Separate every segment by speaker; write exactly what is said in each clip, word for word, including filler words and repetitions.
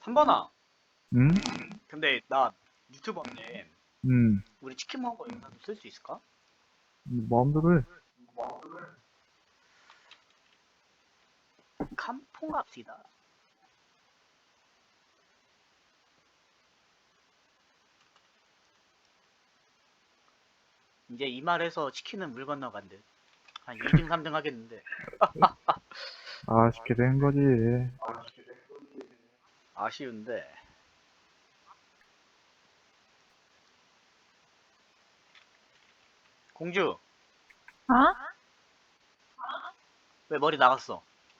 Speaker 1: 한번아.
Speaker 2: 응?
Speaker 1: 근데 나 유튜버인데
Speaker 2: 응.
Speaker 1: 우리 치킨 먹은 거 영상 쓸 수 있을까?
Speaker 2: 마음대로 해.
Speaker 1: 캄퐁갑시다. 이제 이 말에서 치킨은 물 건너간대. 한 이 등 삼 등 하겠는데.
Speaker 2: 아쉽게 된 거지.
Speaker 1: 아쉬운데. 공주,
Speaker 3: 어?
Speaker 1: 왜 머리 나갔어?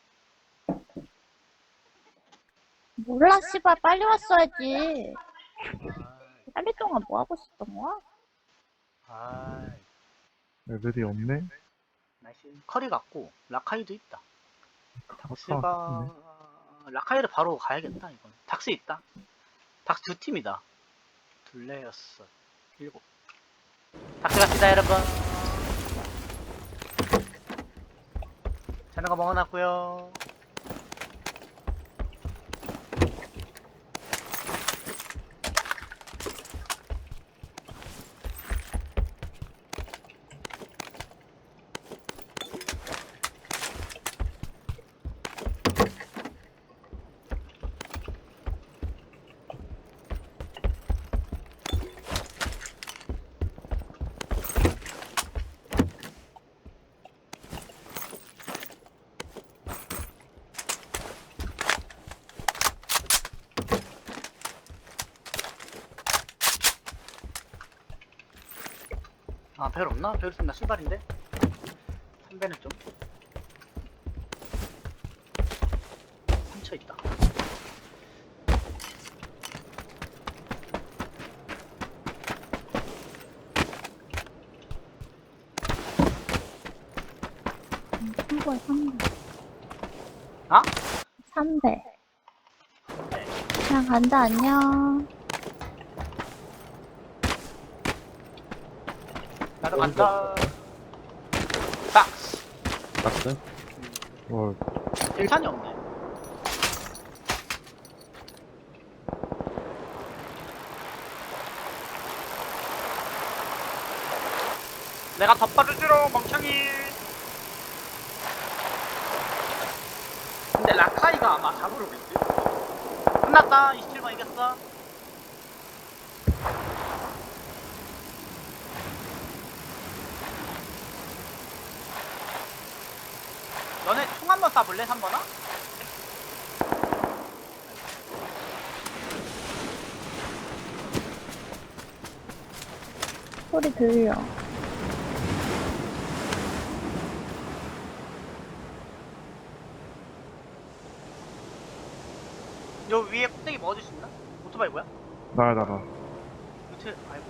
Speaker 3: 몰라, 씨발. 빨리 왔어야지. 빨리 동안 뭐 하고 있었던 거야?
Speaker 1: 아,
Speaker 2: 애들이 없네?
Speaker 1: 날씨 커리 같고 라카이도 있다.
Speaker 2: 타박타박
Speaker 1: 닥스가 라카이를 바로 가야겠다 이건. 닥스 있다. 닥스 두 팀이다. 둘레 여섯 일곱. 닥스 갑시다 여러분. 자는 거 먹어놨고요. 아, 별 없나? 별 있으면 나 출발인데? 삼배는 좀 상처있다.
Speaker 3: 한거에 삼 대.
Speaker 1: 아?
Speaker 3: 삼 대.
Speaker 1: 네.
Speaker 3: 그냥 간다, 안녕.
Speaker 1: 나도 간다. 박스!
Speaker 4: 박스?
Speaker 2: 와,
Speaker 1: 일산이 없네. 내가 덧바르지롱 멍청이. 근데 라카이가 아마 잡으러 오겠지? 끝났다. 이십칠 번 이겼어. 너네 총 한번 쏴볼래? 삼 번아?
Speaker 3: 소리 들려.
Speaker 1: 요 위에 꼭대기 먹어줄 수 있나? 오토바이 뭐야?
Speaker 2: 나야, 나가.
Speaker 1: 요트, 아이고.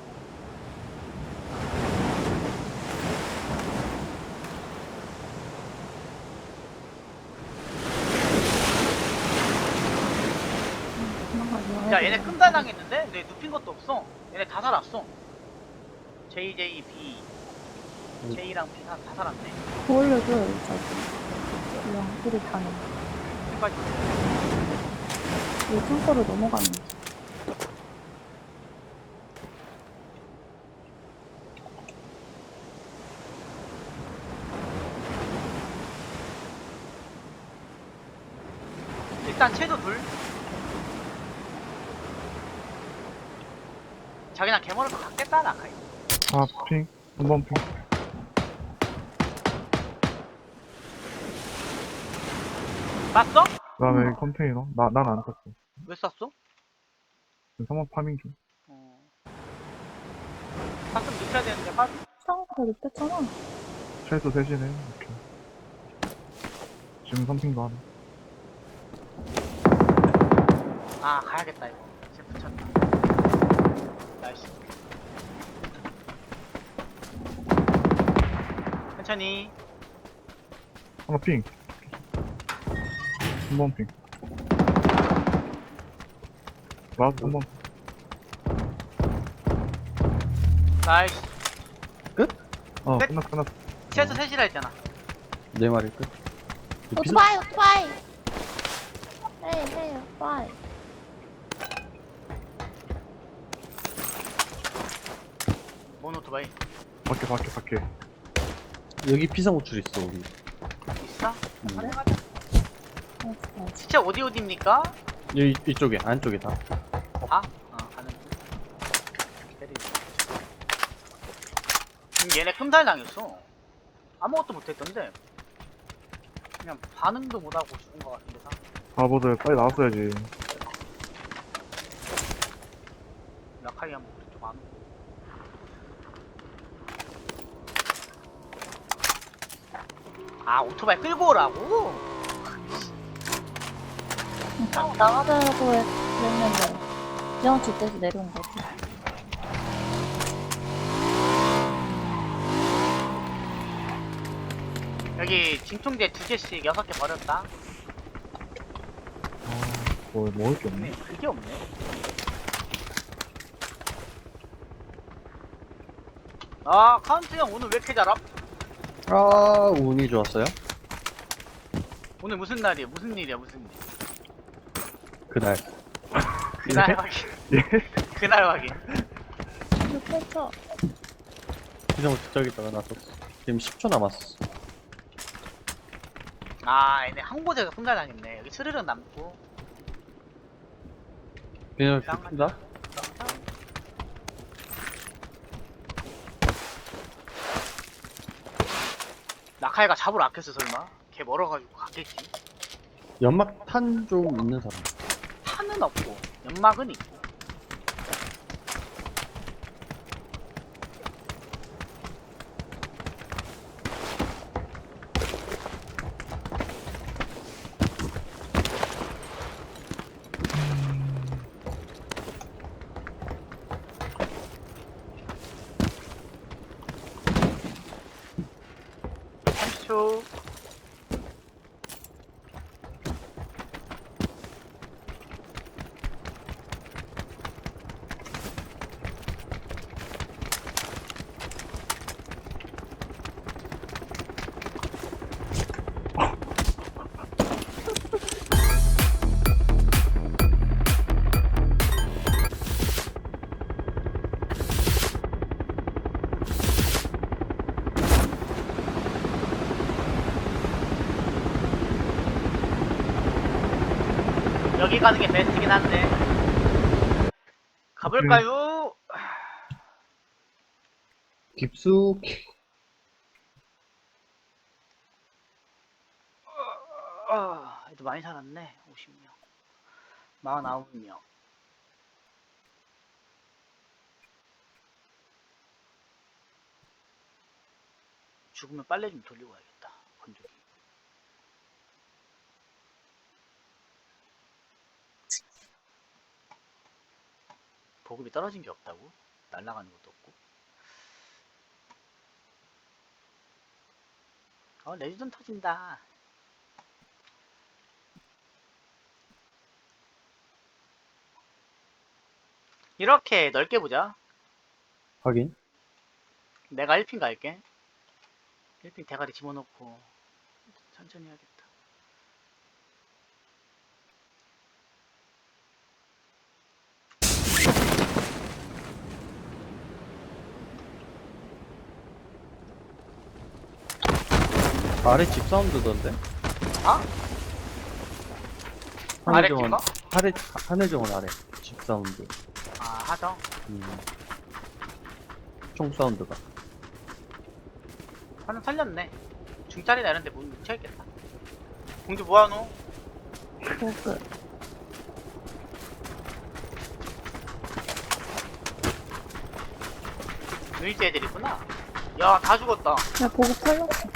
Speaker 3: 도망가지
Speaker 1: 야, 얘네 끔달 당했는데? 내 눕힌 것도 없어. 얘네 다 살았어. 제이, 제이, B. J랑 B 다, 다 살았네.
Speaker 3: 보여줘, 저기. 그냥 소리 타는.
Speaker 1: 끝까지.
Speaker 3: 이 창고로 넘어가는 거.
Speaker 1: 일단 채도 둘. 자기랑 개머리도 갖겠다, 나카이.
Speaker 2: 아, 핑. 한 번 핑.
Speaker 1: 땄어?
Speaker 2: 그 다음에 컨테이너. 나, 난 안 탔어.
Speaker 1: 왜 쐈어?
Speaker 2: 삼 번 파밍 중.
Speaker 1: 어. 땄으면 눕혀야 되는데, 화
Speaker 3: 창고가 눕혔잖아.
Speaker 2: 최소 셋이네. 오케이. 지금 삼 핑도 하네.
Speaker 1: 아, 가야겠다, 이거. 이제 붙였다. 나이스. 천천히.
Speaker 2: 하나 핑. 한 번 핑. 라스트 한 번.
Speaker 1: 나이스.
Speaker 2: 어,
Speaker 1: 끝?
Speaker 2: 끝났어, 끝났어.
Speaker 1: 최소 셋이라 했잖아.
Speaker 4: 네 마리 끝.
Speaker 3: 오토바이, 오토바이! 헤이, 헤이, 오토바이.
Speaker 1: 오토바이
Speaker 2: 밖에, 밖에, 밖에.
Speaker 4: 여기 피상호출 있어, 우리.
Speaker 1: 있어?
Speaker 4: 음.
Speaker 1: 가자 가자.
Speaker 3: 어,
Speaker 1: 진짜 어디 어디입니까?
Speaker 4: 여기, 이쪽에, 안쪽에 다.
Speaker 1: 다? 어 가는 중. 기다리고. 지금 얘네 금살 당했어. 아무것도 못했던데. 그냥 반응도 못하고 죽은 것 같은데 사.
Speaker 2: 바보들 빨리 나왔어야지.
Speaker 1: 라카이 한번 우리 쪽 안 오고. 아 오토바이 끌고 오라고?
Speaker 3: 나, 나가자고 했- 그랬는데 지영 뒷대서 내려온 거지.
Speaker 1: 여기 진통제 두 개씩 여섯 개 버렸다.
Speaker 2: 아, 뭐, 먹을 게
Speaker 1: 네,
Speaker 2: 없네.
Speaker 1: 그게 없네. 아 카운트 형 오늘 왜 이렇게 잘함?
Speaker 4: 아, 운이 좋았어요?
Speaker 1: 오늘 무슨 날이야? 무슨 일이야? 무슨 일?
Speaker 4: 그날.
Speaker 1: 그날
Speaker 2: 예?
Speaker 1: 확인.
Speaker 2: 예?
Speaker 1: 그날 확인.
Speaker 3: 좋겠어.
Speaker 4: 피상호출 저기다가 놨었어. 지금 십 초 남았어.
Speaker 1: 아 얘네 한 곳에서 손달 당했네. 여기 스르륵 남고.
Speaker 4: 그냥 죽는다?
Speaker 1: 라카이가 잡으러 아꼈어 설마? 걔 멀어가지고 갔겠지.
Speaker 4: 연막 탄 좀 있는 사람.
Speaker 1: 탄은 없고 연막은 있고. 삼십 초. 여기 가는 게 베스트긴 한데. 가볼까요?
Speaker 4: 깊숙이.
Speaker 1: 아, 애들 많이 살았네. 오십 명. 사십구 명. 죽으면 빨래 좀 돌리고 와야겠다. 건조기. 보급이 떨어진 게 없다고? 날아가는 것도 없고. 어, 레지던 터진다. 이렇게 넓게 보자.
Speaker 4: 확인.
Speaker 1: 내가 일 핀 갈게. 일 핀 대가리 집어넣고 천천히 해야겠다.
Speaker 4: 아래 집 사운드던데?
Speaker 1: 아? 아래
Speaker 4: 하늘정원,
Speaker 1: 집어?
Speaker 4: 하늘, 하늘정원 아래. 집 사운드.
Speaker 1: 아, 하정.
Speaker 4: 음. 총 사운드가.
Speaker 1: 하나 살렸네. 중짜리나 이런데 문 묻혀야겠다. 공주 뭐하노?
Speaker 3: 보급.
Speaker 1: 유일제 애들이구나. 야, 다 죽었다.
Speaker 3: 야, 보급 털렸어.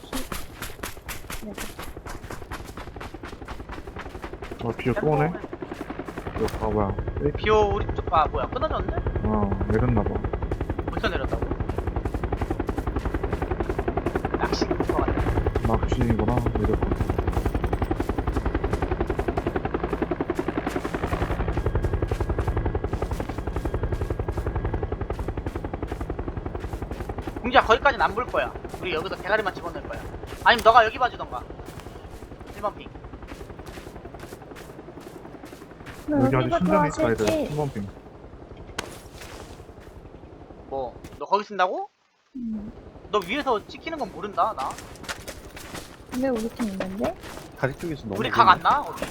Speaker 2: 아, 비어 또 오네? 이거, 아, 뭐야. 페이크.
Speaker 1: 비오 우리 쪽, 아, 뭐야, 끊어졌네?
Speaker 2: 아, 내렸나봐.
Speaker 1: 벌써 내렸다고? 낚시 것 같네.
Speaker 2: 낚시구나, 내렸고.
Speaker 1: 공주야, 거기까지는 안 볼 거야. 우리 여기서 대가리만 집어넣을 거야. 아니면 너가 여기 봐주던가. 일 번 핑.
Speaker 2: 여기 아주
Speaker 3: 여기가
Speaker 2: 신전에 있다, 애들.
Speaker 3: 도와줄게.
Speaker 2: 한 번 빙.
Speaker 1: 뭐, 너 거기 쓴다고?
Speaker 3: 음.
Speaker 1: 너 위에서 찍히는 건 모른다 나.
Speaker 3: 왜 우리 팀 있는데?
Speaker 4: 다리 쪽에서 너무
Speaker 1: 우리 각 안 나? 거기.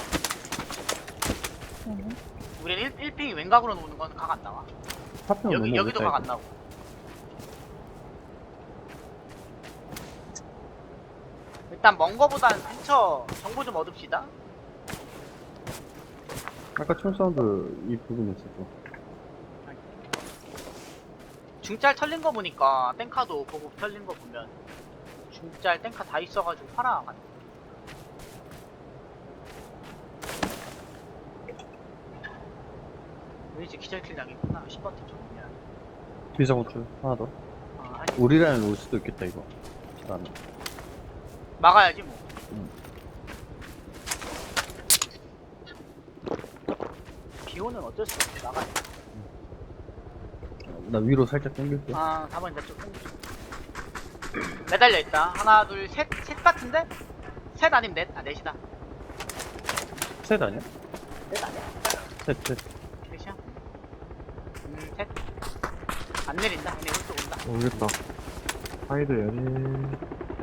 Speaker 3: 응.
Speaker 1: 우리는 일, 일핑이 왼각으로 노는 건 각 안 나와.
Speaker 4: 파편
Speaker 1: 여기
Speaker 4: 너무
Speaker 1: 여기도
Speaker 4: 오겠다,
Speaker 1: 각 안
Speaker 4: 이거.
Speaker 1: 나고. 일단 먼 거보단 근처 정보 좀 얻읍시다.
Speaker 4: 아까 총 사운드 이 부분에 있었어.
Speaker 1: 중짤 털린 거 보니까 땡카도 보급 털린 거 보면 중짤 땡카 다 있어가지고 팔아가네. 왠지 기절킬 당했구나. 십 번 팀 정리야.
Speaker 4: 비상호출 하나 더.
Speaker 1: 아, 아니,
Speaker 4: 우리 라인 올 수도 있겠다 이거. 나는.
Speaker 1: 막아야지 뭐.
Speaker 4: 음.
Speaker 1: 비오는 어쩔 수 없지. 막아야 돼.
Speaker 4: 나 위로 살짝 당길게.
Speaker 1: 아, 사 번 내쪽 땡기죠. 매달려 있다. 하나, 둘, 셋, 셋 같은데? 셋 아니면 넷? 아, 넷이다.
Speaker 4: 셋 아니야?
Speaker 1: 넷 아니야?
Speaker 4: 셋, 셋.
Speaker 1: 넷이야? 음, 셋. 안 내린다. 얘네 오른쪽 온다.
Speaker 2: 모르겠다. 하이드 해야지.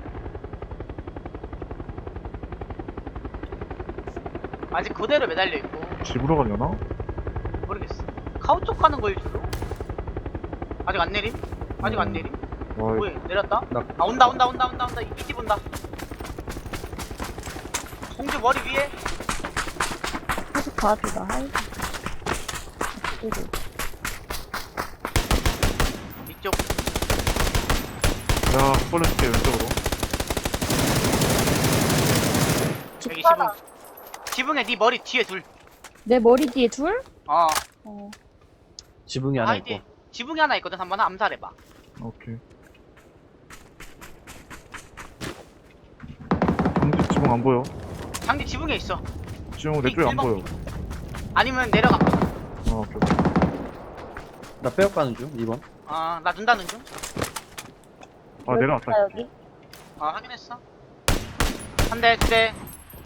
Speaker 1: 아직 그대로 매달려 있고.
Speaker 2: 집으로 가려나?
Speaker 1: 모르겠어. 카우 쪽 가는 거일 수도? 아직 안 내림? 아직 안
Speaker 2: 음.
Speaker 1: 내림?
Speaker 2: 와,
Speaker 1: 뭐해? 내렸다?
Speaker 4: 나
Speaker 1: 아, 온다, 온다, 온다, 온다, 온다. 이집 온다. 공주 머리 위에.
Speaker 3: 계속 봐도 나 하이. 그리고
Speaker 1: 이쪽.
Speaker 2: 야, 벌레줄게, 왼쪽으로.
Speaker 1: 여기 지붕.
Speaker 3: 뒷바닥.
Speaker 1: 지붕에 네 머리 뒤에 둘.
Speaker 3: 내 머리 뒤에 둘?
Speaker 1: 어.
Speaker 3: 어.
Speaker 4: 지붕이 하나
Speaker 1: 아이디.
Speaker 4: 있고.
Speaker 1: 지붕이 하나 있거든. 한번 암살해봐.
Speaker 2: 오케이. 강지 지붕 안 보여.
Speaker 1: 장지 지붕에 있어.
Speaker 2: 지붕 내 쪽에 안 보여.
Speaker 1: 아니면 내려가.
Speaker 2: 어, 오케이.
Speaker 4: 나 빼앗 가는 중. 이 번.
Speaker 1: 아, 나 눈다는 중.
Speaker 2: 아, 내려왔다.
Speaker 3: 있다, 여기.
Speaker 1: 아, 확인했어. 한 대, 두 대.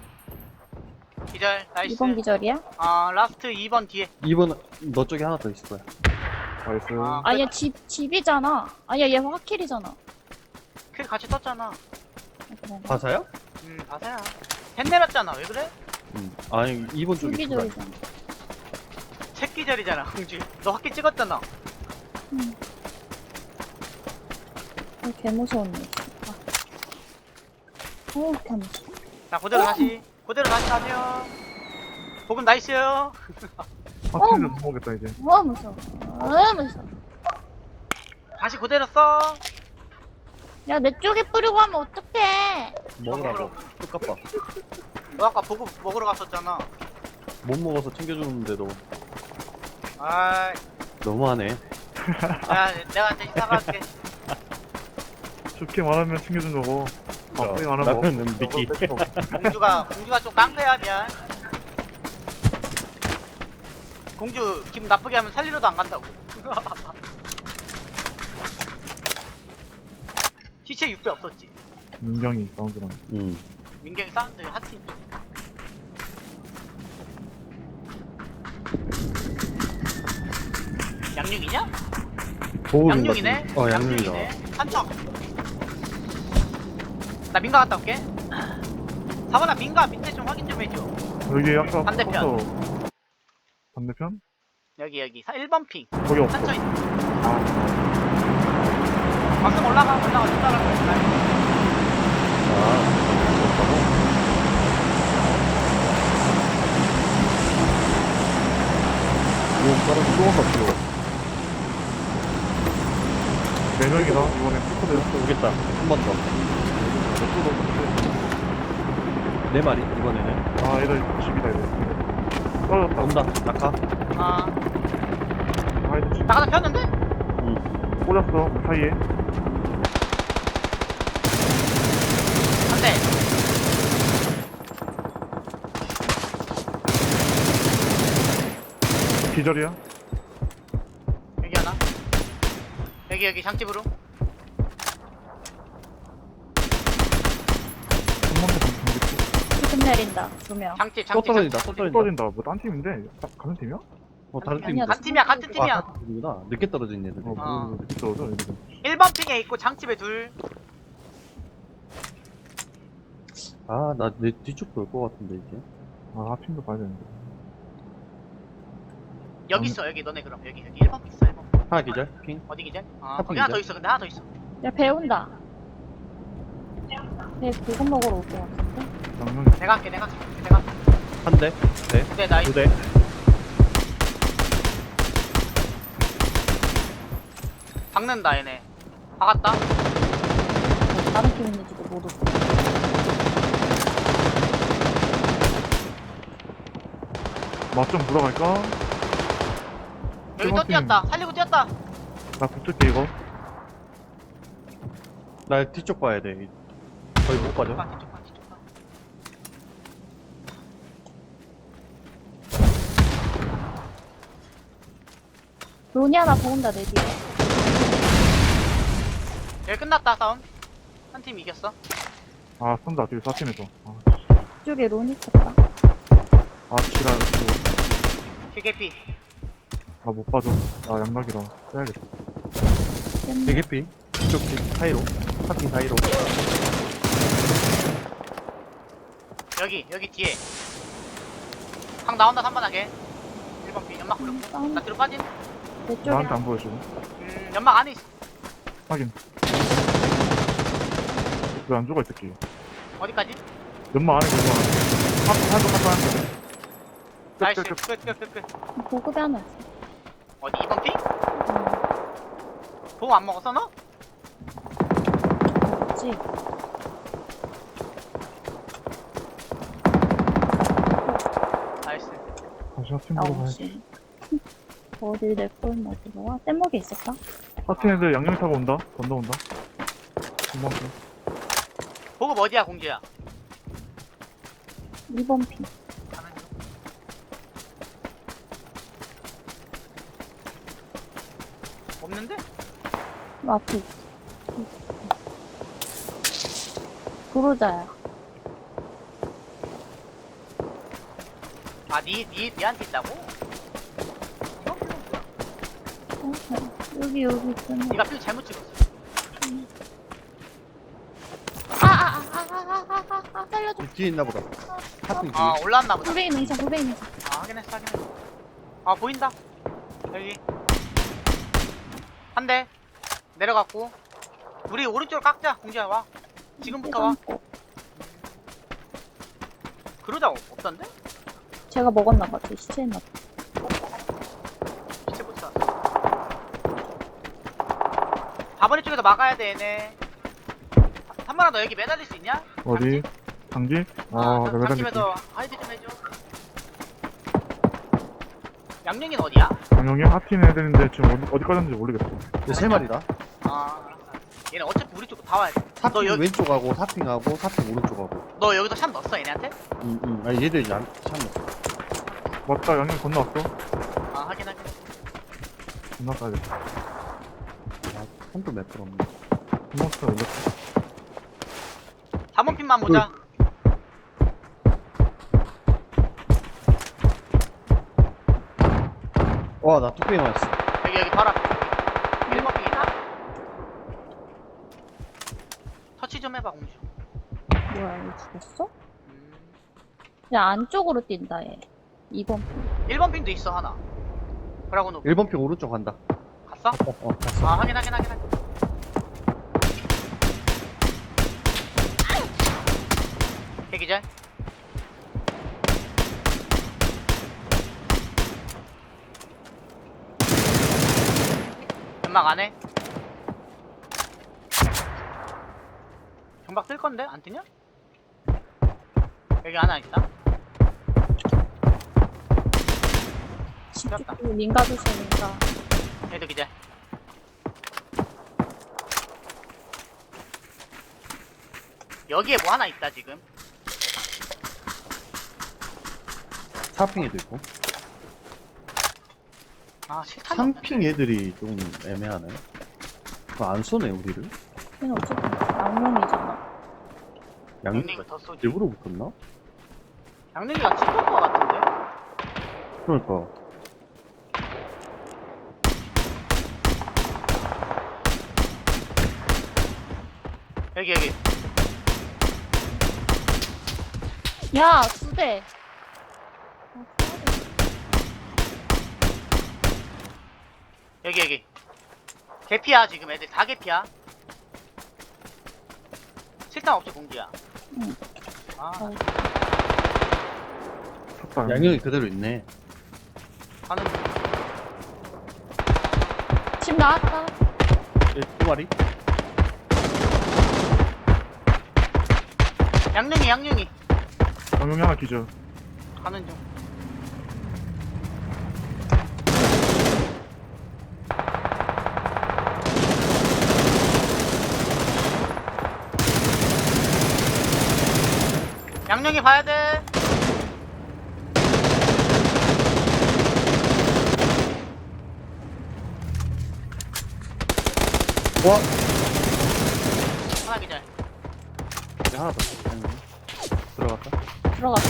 Speaker 1: 기절, 나이스.
Speaker 3: 이번 기절이야?
Speaker 1: 아, 라스트 이 번 뒤에.
Speaker 4: 이 번 너 쪽에 하나 더 있을 거야.
Speaker 2: 나이스.
Speaker 1: 아.
Speaker 3: 아니야, 집, 집이잖아. 아니야, 얘 화킬이잖아.
Speaker 1: 킬 같이 떴잖아.
Speaker 3: 아, 그래.
Speaker 4: 바사야?
Speaker 1: 음, 바사야. 펜 내렸잖아. 왜 그래?
Speaker 4: 응. 아니 이 번
Speaker 3: 두
Speaker 4: 쪽에 두 발.
Speaker 3: 기절이잖아.
Speaker 1: 책 기절이잖아, 공주. 너 학기 찍었잖아.
Speaker 3: 응. 어, 개 무서웠네. 아. 어, 개 무서워.
Speaker 1: 자, 그대로 다시. 그대로 다시 가세요. 보금 나이스요.
Speaker 2: 아, 팀도 못 먹겠다, 이제.
Speaker 3: 어, 무서워. 어, 무서워.
Speaker 1: 다시 그대로 써.
Speaker 3: 야, 내 쪽에 뿌리고 하면 어떡해.
Speaker 4: 먹으라고. 똑같다.
Speaker 1: 너 아까 보금 먹으러 갔었잖아.
Speaker 4: 못 먹어서 챙겨주는데도
Speaker 1: 아이,
Speaker 4: 너무하네.
Speaker 1: 야, 내가 대신 사과할게.
Speaker 2: 좋게 말하면 챙겨준 거고. 나쁘게 말하면 뭐.
Speaker 4: 라면은 미끼.
Speaker 1: 공주가, 공주가 좀 깡패야, 미안. 공주 기분 나쁘게 하면 살리러도 안 간다고. 시체 육 배 없었지.
Speaker 2: 민경이 사운드랑.
Speaker 4: 응.
Speaker 1: 민경이 사운드 핫팀. 양육이냐?
Speaker 4: 보호인
Speaker 1: 양육이네?
Speaker 4: 같은- 어 양육이다.
Speaker 1: 한척. 나 민가 갔다 올게. 사번아 민가 밑에 좀 확인 좀 해줘.
Speaker 2: 여기 아까
Speaker 1: 반대편.
Speaker 2: 포커스 반대편?
Speaker 1: 여기 여기 일 번 핑.
Speaker 2: 거기 없어.
Speaker 1: 한척 있
Speaker 2: 아,
Speaker 1: 방금 올라가 올라가 좀 따라가.
Speaker 4: 아
Speaker 2: 이거 따라 쏘아서 필요. 네 명이다. 이번에 포커드.
Speaker 4: 그렇다. 오겠다. 한 번 더. 네 마리 이번에는.
Speaker 2: 아, 얘들 집이다, 얘들. 떨어졌다.
Speaker 4: 온다. 낙하.
Speaker 1: 아
Speaker 2: 아, 얘들 집.
Speaker 1: 나가다 폈는데?
Speaker 4: 응.
Speaker 2: 꽂았어, 사이에.
Speaker 1: 한 대.
Speaker 2: 기절이야.
Speaker 1: 여기 하나. 여기 여기 장집으로.
Speaker 2: 한번더 경기
Speaker 3: 지금 내린다, 두 명.
Speaker 1: 장집
Speaker 4: 또
Speaker 1: 장집.
Speaker 4: 떨어진다.
Speaker 1: 장집.
Speaker 4: 또 떨어진다.
Speaker 2: 떨어진다. 뭐, 딴 팀인데? 딱 가는 팀이야?
Speaker 4: 어, 다른
Speaker 3: 아니야,
Speaker 4: 팀인데.
Speaker 1: 같은 팀이야 같은 팀이야.
Speaker 4: 아, 같은 팀이구나. 늦게 떨어진 애들.
Speaker 2: 어,
Speaker 1: 어.
Speaker 2: 뭐, 이렇게 떨어져, 이렇게.
Speaker 1: 일 번 핑에 있고 장집에 둘.
Speaker 4: 아, 나 내 뒤쪽 볼 것 같은데, 이제.
Speaker 2: 아, 하핑도 봐야 되는데.
Speaker 1: 여기
Speaker 2: 음.
Speaker 1: 있어 여기 너네 그럼 여기 여기 일 번 핑 있어 일 번.
Speaker 4: 하나 기절? 핑?
Speaker 1: 어디 기절? 아
Speaker 4: 하필
Speaker 1: 거기 하나 더
Speaker 4: 기절?
Speaker 1: 있어 근데 하나 더 있어.
Speaker 3: 야, 배 온다. 배 고급 먹으러 올 것 같은데?
Speaker 2: 양념,
Speaker 1: 내가 할게 내가 할게 내가 할게.
Speaker 4: 한 대? 네?
Speaker 1: 네 나이스.
Speaker 4: 두 대?
Speaker 1: 박는다 얘네. 박았다.
Speaker 3: 다른 팀 있는지도 모르고.
Speaker 2: 맛좀 보러 갈까?
Speaker 1: 여기 또
Speaker 2: 일번 팀.
Speaker 1: 뛰었다. 살리고 뛰었다.
Speaker 2: 나 붙을게, 이거.
Speaker 4: 나 뒤쪽 봐야 돼. 거의 못 빠져.
Speaker 1: 아, 뒤쪽 봐 뒤쪽 봐.
Speaker 3: 론이 하나 더 온다, 내 뒤에.
Speaker 1: 여기 끝났다 싸움. 한 팀 이겼어.
Speaker 2: 아, 쏜다, 뒤에 사팀에서. 아,
Speaker 3: 이쪽에 론이 있었다.
Speaker 2: 아, 지랄, 이거.
Speaker 1: 피케피.
Speaker 2: 아, 못 봐줘. 나 양락이라. 빼야겠다.
Speaker 3: 깼네.
Speaker 4: 대개피? 뒤쪽 뒤 사이로. 하핑 사이로.
Speaker 1: 여기 여기 뒤에. 방 나온다 삼 번 하게. 일 번 핑 연막 굴렸고.
Speaker 3: 싸움.
Speaker 1: 나 뒤로 빠짐.
Speaker 3: 내 쪽에
Speaker 2: 나한테
Speaker 3: 하나.
Speaker 2: 안 보여주고.
Speaker 1: 음 연막 안에 있어.
Speaker 2: 확인. 왜 안 죽어, 이 새끼.
Speaker 1: 어디까지?
Speaker 2: 연마 안에 연마 안에. 한, 한, 한, 한, 한. 끝,
Speaker 1: 나이스.
Speaker 2: 끝, 끝.
Speaker 1: 끝끝끝끝.
Speaker 3: 고급에 하나 있어.
Speaker 1: 어디 이 번 핑?
Speaker 3: 음,
Speaker 1: 보고 안 먹었어 너?
Speaker 3: 그렇지.
Speaker 1: 나이스.
Speaker 2: 다시 하팀 보러 가야지.
Speaker 3: 나오지. 어디 내꼴 어디로 와? 뗏목에 있을까?
Speaker 2: 하팀 애들 양념 타고 온다. 건너온다. 금방 가.
Speaker 1: 보급 어디야 공주야?
Speaker 3: 이 번 핀.
Speaker 1: 가는 중. 없는데?
Speaker 3: 그 앞에 있어. 그러자야.
Speaker 1: 아, 니, 니, 니한테 있다고? 이거 필요 없어.
Speaker 3: 어, 어, 여기 여기 있잖아.
Speaker 1: 니가 필 잘못 찍었어.
Speaker 3: 아아아아아아아 아, 살려줘.
Speaker 4: 뒤에 있나 보다. 하핑 뒤에.
Speaker 1: 아, 올라왔나 보다.
Speaker 3: 구베이 능선 구베이 능선.
Speaker 1: 아, 확인했어, 확인했어. 아, 보인다. 여기. 한 대. 내려갔고. 우리 오른쪽으로 깎자, 공주야, 와. 지금부터 와. 그러자 없던데?
Speaker 3: 제가 먹었나봐. 제 시체였나봐.
Speaker 1: 시체 못 사. 사 번 쪽에서 막아야 돼, 얘네. 한번아 너 여기 매달릴 수 있냐?
Speaker 2: 어디? 장지? 아,
Speaker 1: 아,
Speaker 2: 내가 매달릴게.
Speaker 1: 장집에서 하이드 좀 해줘. 양령이는 어디야?
Speaker 2: 장영이 하팀 애들인데 지금 어디, 어디 가졌는지 모르겠어.
Speaker 4: 이제 세 마리다.
Speaker 1: 아, 얘네 어차피 우리 쪽으로 다 와야 돼. 너
Speaker 4: 사핑
Speaker 1: 여기,
Speaker 4: 왼쪽하고 사핑하고 사핑 오른쪽하고.
Speaker 1: 너 여기서 샷 넣었어, 얘네한테?
Speaker 4: 응, 응. 아니, 얘들이 안, 참.
Speaker 2: 맞다, 양념 건너왔어.
Speaker 1: 아, 하긴 하긴.
Speaker 2: 건너가야겠다.
Speaker 4: 아, 손도 매끄럽네.
Speaker 2: 건너왔어, 올렸어.
Speaker 1: 삼 번 핀만 보자.
Speaker 4: 와, 나 뚝배기 맞았어.
Speaker 1: 여기, 여기 바로 앞에. 일 번 핀이다. 터치 좀 해봐, 공주.
Speaker 3: 뭐야, 얘 죽었어?
Speaker 1: 음.
Speaker 3: 야, 안쪽으로 뛴다, 얘. 이 번 핀.
Speaker 1: 일 번 핀도 있어, 하나. 그러고 너
Speaker 4: 일 번 핑 오른쪽 간다.
Speaker 1: 갔어?
Speaker 4: 어, 어, 갔어.
Speaker 1: 아, 확인, 확인, 확인, 확인. 대기절. 연막 안 해? 경박 뜰 건데? 안 뜨냐? 여기 하나 있다.
Speaker 3: 집중 닌가 조심, 닌가.
Speaker 1: 얘도 기절. 여기에 뭐 하나 있다, 지금.
Speaker 4: 사핑에도 있고.
Speaker 1: 아, 실탄이
Speaker 4: 삼
Speaker 1: 없네.
Speaker 4: 핑 애들이 좀 애매하네. 그거 안 쏘네, 우리를.
Speaker 3: 얘는 어쨌든 양념이잖아.
Speaker 4: 양,
Speaker 1: 양님이가 더 쏘지.
Speaker 4: 일부러 붙었나?
Speaker 1: 양님이가 찍을 것 같은데?
Speaker 4: 그러니까.
Speaker 1: 여기 여기.
Speaker 3: 야, 두 대. 아,
Speaker 1: 여기 여기. 개피야 지금 애들 다 개피야. 실탄 없지 공기야.
Speaker 3: 응.
Speaker 1: 아
Speaker 3: 어.
Speaker 2: 탔다.
Speaker 4: 양형이 그대로 있네.
Speaker 1: 가는 중.
Speaker 3: 집 나왔다.
Speaker 4: 예, 두 마리?
Speaker 1: 양룡이 양룡이
Speaker 2: 방금이 하나 기절.
Speaker 1: 가는 중. 양룡이 봐야 돼.
Speaker 4: 와!
Speaker 1: 하나 기절.
Speaker 4: 이제 하나 더. 양형이. 들어갔다.
Speaker 3: 들어갔어.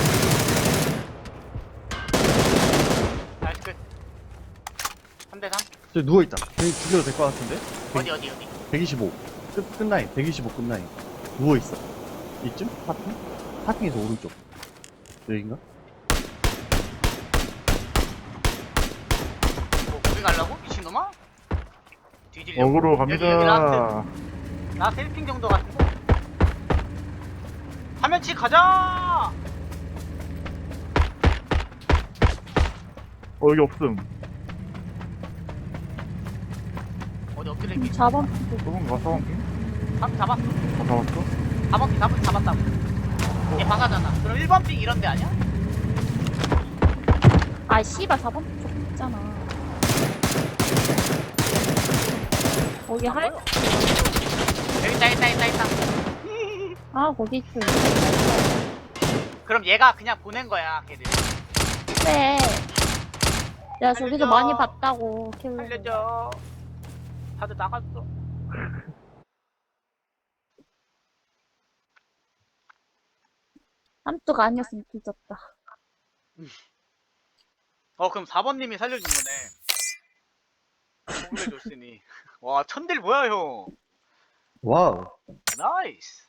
Speaker 1: 나이스 끝. 삼 대 삼.
Speaker 4: 저 누워있다. 저기 죽여도 될 것 같은데?
Speaker 1: 어디 어디 어디.
Speaker 4: 백이십오. 끝, 끝라인. 백이십오 끝라인. 누워있어. 이쯤? 파킹? 파킹에서 오른쪽. 여긴가?
Speaker 1: 뭐 거기 가려고? 미친놈아? 뒤질려고.
Speaker 2: 어그로
Speaker 1: 여기, 여기 라스트.
Speaker 2: 갑니다.
Speaker 1: 나 셀핑 정도 같은데? 화면치 가자!
Speaker 2: 어, 여기 없음.
Speaker 1: 어디 엎드려 있기?
Speaker 3: 사 번.
Speaker 2: 쏘는 거 사방핑?
Speaker 1: 잡, 잡았어.
Speaker 2: 아, 잡았어?
Speaker 1: 사 번 핑 잡, 잡았다고. 얘 바가잖아. 그럼 일 번 핑 이런 데 아니야?
Speaker 3: 아, 씨발, 사 번 쪽 있잖아. 거기 할?
Speaker 1: 여기 있다, 있다, 있다, 있다.
Speaker 3: 아, 거기 있어.
Speaker 1: 그럼 얘가 그냥 보낸 거야, 걔들.
Speaker 3: 그래. 내가 저기서
Speaker 1: 알려줘.
Speaker 3: 많이 봤다고. 킬로.
Speaker 1: 알려줘. 다들 나갔어.
Speaker 3: 삼뚝 아니었으면 뒤졌다.
Speaker 1: 어, 그럼 사 번님이 살려준 거네. 공을 줬으니. 와, 천딜 뭐야, 형.
Speaker 4: 와우.
Speaker 1: 나이스.